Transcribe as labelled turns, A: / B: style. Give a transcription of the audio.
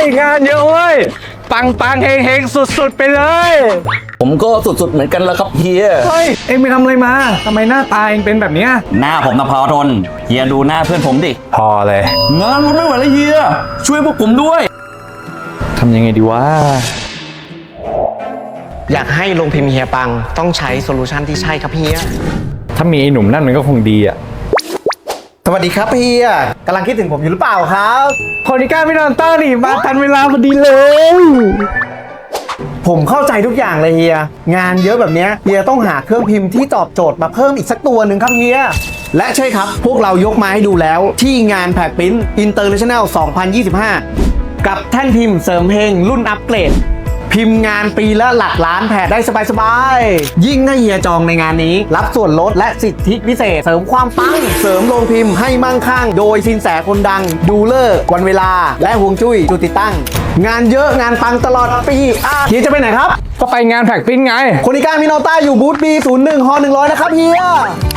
A: งานเยอะเว้ยปังเฮงสุดๆไปเลย
B: ผมก็สุดๆเหมือนกันแล้วครับเฮีย
A: เฮ้ยเอ็งไปทำอะไรมาทำไมหน้าตาเอ็งเป็นแบบเนี้ย
B: หน้าผมนะพอทนเฮียดูหน้าเพื่อนผมดิ
A: พอเลย
B: งานมันไม่ไหวแล้วเฮียช่วยพวกผมด้วย
A: ทำยังไงดีวะ
C: อยากให้ลงพิมพ์เฮียปังต้องใช้โซลูชันที่ใช่ครับเฮีย
A: ถ้ามีไอ้หนุ่มนั่นมันก็คงดีอ่ะ
D: สวัสดีครับเฮียกำลังคิดถึงผมอยู่หรือเปล่าครับ
A: โคนิก้าไม่นอนต้านี่มาทันเวลาพอดีเลย
D: ผมเข้าใจทุกอย่างเลยเฮียงานเยอะแบบเนี้ยเฮียต้องหาเครื่องพิมพ์ที่ตอบโจทย์มาเพิ่มอีกสักตัวหนึ่งครับเฮียและใช่ครับพวกเรายกมาให้ดูแล้วที่งานแพคปิ้น International 2025 กับแท่นพิมพ์เสริมเพลงรุ่นอัปเกรด พิมพ์งานปีละหลักล้านแผ่นได้สบายๆยิ่งถ้าเฮียจองในงานนี้รับส่วนลดและสิทธิพิเศษเสริมความปังเสริมโรงพิมพ์ให้มั่งคั่งโดยสินแสคนดังดูเลิกษ์วันเวลาและฮวงจุ้ยจุดติดตั้งงานเยอะงานปังตลอดปีเฮียจะไปไหนครับ
A: ก็ไปงานแพ็กปิ้นไง
D: โคนิก้ามิโนต้าอยู่บูธ B01 ฮอ100นะครับเฮีย